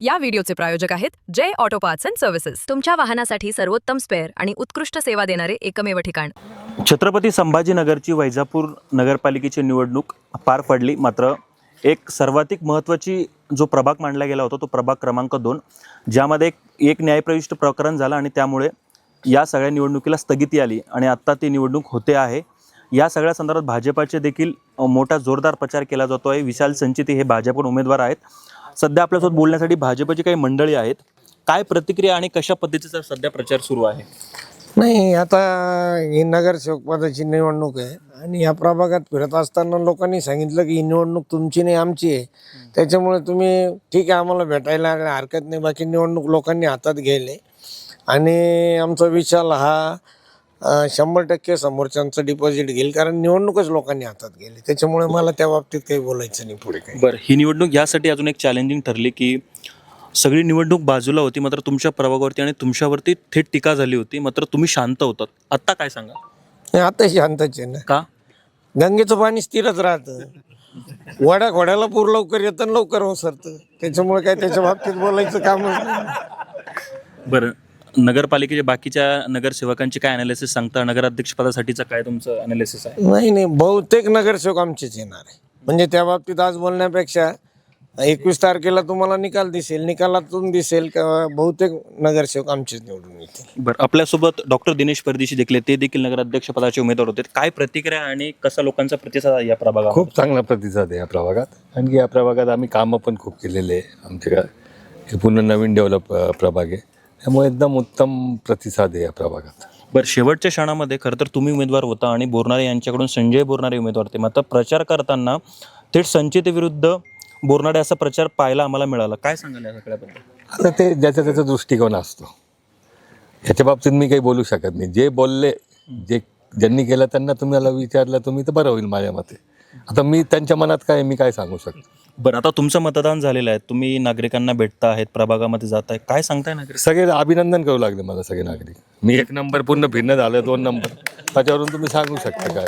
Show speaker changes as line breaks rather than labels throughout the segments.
या व्हिडिओचे प्रायोजक आहेत Jai auto parts and services, तुमच्या वाहनासाठी सर्वोत्तम स्पेअर आणि उत्कृष्ट सेवा देणारे एकमेव ठिकाण.
छत्रपती संभाजीनगरची वैजापूर नगरपालिकेची निवडणूक पार पडली. मात्र एक सर्वाधिक महत्त्वाची जो प्रभाग मानला गेला होता तो प्रभाग क्रमांक 2, ज्यामध्ये एक न्यायप्रविष्ट प्रकरण झालं आणि त्यामुळे या सगळ्या निवडणुकीला स्थगिती आली आणि आत्ता ती निवडणूक होते आहे. या सगळ्या संदर्भात भाजपाचे देखील मोठा जोरदार प्रचार केला जातो आहे. विशाल संचिती हे भाजपकडून उमेदवार आहेत. सध्या आपल्यासोबत बोलण्यासाठी भाजपची काही मंडळी आहेत. काय प्रतिक्रिया आणि कशा पद्धतीचा सध्या प्रचार सुरू आहे?
नाही, आता ही नगरसेवक पदाची निवडणूक आहे आणि या प्रभागात फिरत असताना लोकांनी सांगितलं की ही निवडणूक तुमची नाही आमची आहे, त्याच्यामुळे तुम्ही ठीक आहे आम्हाला भेटायला हरकत नाही, बाकी निवडणूक लोकांनी हातात घ्यायले. आणि आमचा विशाल हा 100% समोरच्यांचं डिपॉझिट घेईल, कारण निवडणूकच लोकांनी हातात गेली. त्याच्यामुळे मला त्या बाबतीत काही बोलायचं नाही पुढे काही.
बरं, ही निवडणूक यासाठी अजून एक चॅलेंजिंग ठरली की सगळी निवडणूक बाजूला होती, मात्र तुमच्या प्रभागावरती आणि तुमच्यावरती थेट टीका झाली होती, मात्र तुम्ही शांत होतात. आत्ता काय सांगा?
आता शांतच आहे ना,
का?
गंगेचं पाणी स्थिरच राहतं. वड्या घोड्याला पूर लवकर येतं आणि लवकर ओसरतं, त्याच्यामुळे काय त्याच्या बाबतीत बोलायचं कामच नाही.
बरं, नगरपालिकेच्या बाकीच्या नगरसेवकांची काय अनालिसिस सांगता? नगराध्यक्षपदासाठीचं काय तुमचं अनालिसिस आहे?
नाही, बहुतेक नगरसेवक आमचेच येणार आहे. म्हणजे त्या बाबतीत आज बोलण्यापेक्षा 21 तारखेला तुम्हाला निकाल दिसेल, निकालातून दिसेल का बहुतेक नगरसेवक आमचेच निवडून येतील.
बरं, आपल्यासोबत डॉक्टर दिनेश परदेशी देखील ते देखील नगराध्यक्ष पदाचे उमेदवार होते. काय प्रतिक्रिया आणि कसा लोकांचा प्रतिसाद आहे या प्रभागात?
खूप चांगला प्रतिसाद आहे या प्रभागात. आणखी या प्रभागात आम्ही कामं पण खूप केलेले आहे. आमच्या हे पूर्ण नवीन डेव्हलप प्रभाग आहे, त्यामुळे एकदम उत्तम प्रतिसाद आहे या प्रभागात.
बरं, शेवटच्या क्षणामध्ये खरं तर तुम्ही उमेदवार होता आणि बोरनारे यांच्याकडून संजय बोरनारे उमेदवार होते. मात्र प्रचार करताना थेट संचितेविरुद्ध बोरनारे असा प्रचार पाहायला आम्हाला मिळाला. काय सांगाल या सगळ्याबद्दल?
आता ते ज्याचा त्याचा दृष्टिकोन असतो, याच्या बाबतीत मी काही बोलू शकत नाही. जे बोलले, ज्यांनी केलं त्यांना तुम्हाला विचारलं तुम्ही तर बरं होईल माझ्या मते. आता मी त्यांच्या मनात काय मी काय सांगू शकतो?
बरं, आता तुमचं मतदान झालेलं आहे, तुम्ही नागरिकांना भेटता आहेत, प्रभागामध्ये जात आहे, काय सांगताय नागरिक?
सगळे अभिनंदन करू लागले मला सगळे नागरिक. मी 1 नंबर पूर्ण फिरणं झालं, 2 नंबर, त्याच्यावरून तुम्ही सांगू शकता काय.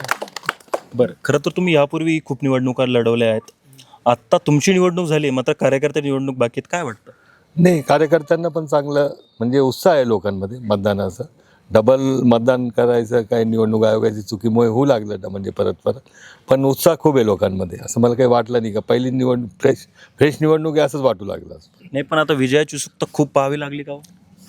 बरं, खरं तर तुम्ही यापूर्वी खूप निवडणुका लढवल्या आहेत. आत्ता तुमची निवडणूक झाली, मात्र कार्यकर्ते निवडणूक बाकी आहेत. काय वाटतं?
नाही, कार्यकर्त्यांना पण चांगलं म्हणजे उत्साह आहे लोकांमध्ये मतदानाचा. डबल मतदान करायचं काय निवडणूक आयोगाची चुकीमुळे होऊ लागलं म्हणजे परत पण उत्साह खूप आहे लोकांमध्ये. असं मला काही वाटलं नाही का पहिली निवडणूक फ्रेश निवडणूक आहे असंच वाटू लागलं.
नाही, पण आता विजयाची उत्सुकता खूप पाहावी लागली का?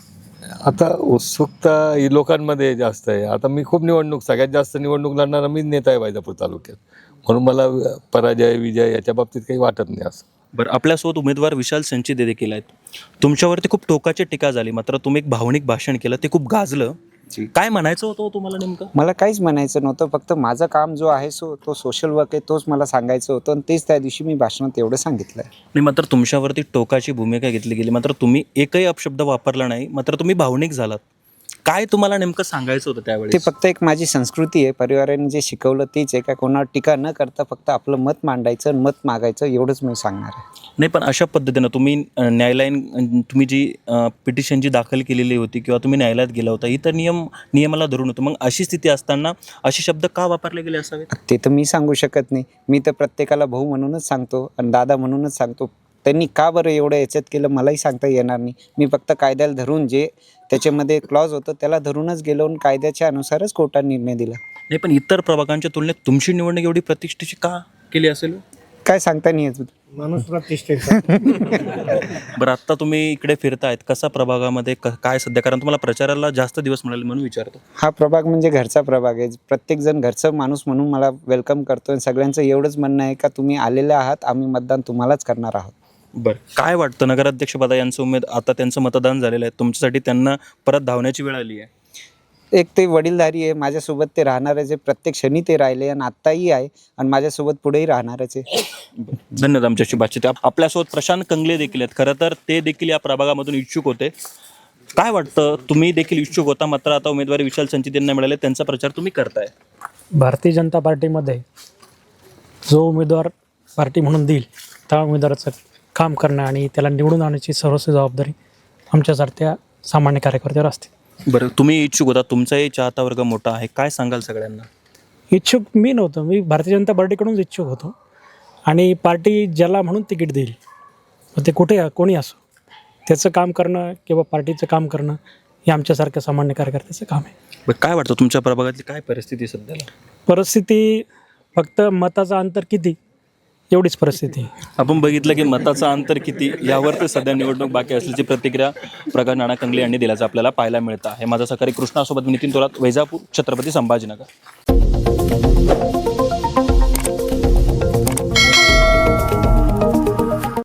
आता उत्सुकता ही लोकांमध्ये जास्त आहे. आता मी खूप सगळ्यात जास्त निवडणूक लढणारा मीच नेता आहे वैजापूर तालुक्यात, म्हणून मला पराजय विजय याच्या बाबतीत काही वाटत नाही असं.
बरं, आपल्यासोबत उमेदवार विशाल संचिते देखील आहेत. तुमच्यावरती खूप टोकाची टीका झाली, मात्र तुम्ही एक भावनिक भाषण केलं, ते खूप गाजलं. काय म्हणायचं होतं तुम्हाला नेमकं?
मला काहीच म्हणायचं नव्हतं, फक्त माझं काम जो आहे तो सोशल वर्क आहे, तोच मला सांगायचं होतं आणि तेच त्या दिवशी मी भाषणात एवढं सांगितलं आहे.
नाही, मात्र तुमच्यावरती टोकाची भूमिका घेतली गेली, मात्र तुम्ही एकही अपशब्द वापरला नाही, मात्र तुम्ही भावनिक झालात. काय तुम्हाला नेमकं सांगायचं होतं त्यावेळी?
ते फक्त एक माझी संस्कृती आहे, परिवाराने जे शिकवलं तेच आहे. का कोणावर टीका न करता फक्त आपलं मत मांडायचं आणि मत मागायचं, एवढंच मी सांगणार आहे.
नाही, पण अशा पद्धतीनं तुम्ही तुम्ही जी पिटिशन जी दाखल केलेली होती किंवा तुम्ही न्यायालयात गेला होता, ही तर नियमाला धरून होतं. मग अशी स्थिती असताना असे शब्द का वापरले गेले असावेत?
ते तर मी सांगू शकत नाही. मी तर प्रत्येकाला भाऊ म्हणूनच सांगतो आणि दादा म्हणूनच सांगतो. त्यांनी का बरं एवढं याच्यात केलं मलाही सांगता येणार नाही. मी फक्त कायद्याला धरून जे त्याच्यामध्ये क्लॉज होतं त्याला धरूनच गेलो आणि कायद्याच्या अनुसारच कोर्टाने निर्णय दिला.
नाही, पण इतर प्रभागांच्या तुलनेत तुमची निवडणूक एवढी प्रतिष्ठेची का केली असेल?
काय सांगता नाही येत.
माणूस प्रतिष्ठेचा.
बरं, आत्ता तुम्ही इकडे फिरतायत, कसा प्रभागामध्ये काय सध्या, कारण तुम्हाला प्रचाराला जास्त दिवस मिळाले म्हणून विचारतो.
हा प्रभाग म्हणजे घरचा प्रभाग आहे. प्रत्येकजण घरचं माणूस म्हणून मला वेलकम करतो आणि सगळ्यांचं एवढंच म्हणणं आहे का तुम्ही आलेले आहात, आम्ही मतदान तुम्हालाच करणार आहोत.
बरं, काय वाटतं नगराध्यक्षपदा यांचं आता त्यांचं मतदान झालेलं आहे, तुमच्यासाठी त्यांना परत धावण्याची वेळ आली आहे?
एक ते वडीलधारी आहे, माझ्यासोबत ते राहणारच आहे. प्रत्येक क्षणी ते राहिले आणि आत्ताही आहे आणि माझ्यासोबत पुढेही राहणारच आहे.
धन्यवाद आमच्याशी बातचीत. आपल्यासोबत प्रशांत कंगले देखील आहेत. खरं तर ते देखील या प्रभागामधून इच्छुक होते. काय वाटतं, तुम्ही देखील इच्छुक होता, मात्र आता उमेदवारी विशाल संचितेंना मिळाले, त्यांचा प्रचार तुम्ही करताय.
भारतीय जनता पार्टीमध्ये जो उमेदवार पार्टी म्हणून देईल त्या उमेदवाराचं काम करणं आणि त्याला निवडून आणण्याची सर्वस्व जबाबदारी आमच्यासारख्या सामान्य कार्यकर्त्यावर असते.
बरं, तुम्ही इच्छुक होता, तुमचाही चाहता वर्ग मोठा आहे, काय सांगाल सगळ्यांना?
इच्छुक मी नव्हतो, मी भारतीय जनता पार्टीकडूनच इच्छुक होतो आणि पार्टी ज्याला म्हणून तिकीट देईल मग ते कोणी असो त्याचं काम करणं किंवा पार्टीचं काम करणं हे आमच्यासारख्या सामान्य कार्यकर्त्याचं काम आहे.
बरं, काय वाटतं तुमच्या प्रभागातली काय परिस्थिती आहे सध्याला?
परिस्थिती फक्त मताचं अंतर किती एवढीच परिस्थिती आहे.
आपण बघितलं की मताचं अंतर किती यावर तर सध्या निवडणूक बाकी असल्याची प्रतिक्रिया प्रकाश नाना कंगले यांनी दिल्याचं आपल्याला पाहायला मिळतं. हे माझा सहकारी कृष्णासोबत नितीन थोरात, वैजापूर, छत्रपती संभाजीनगर.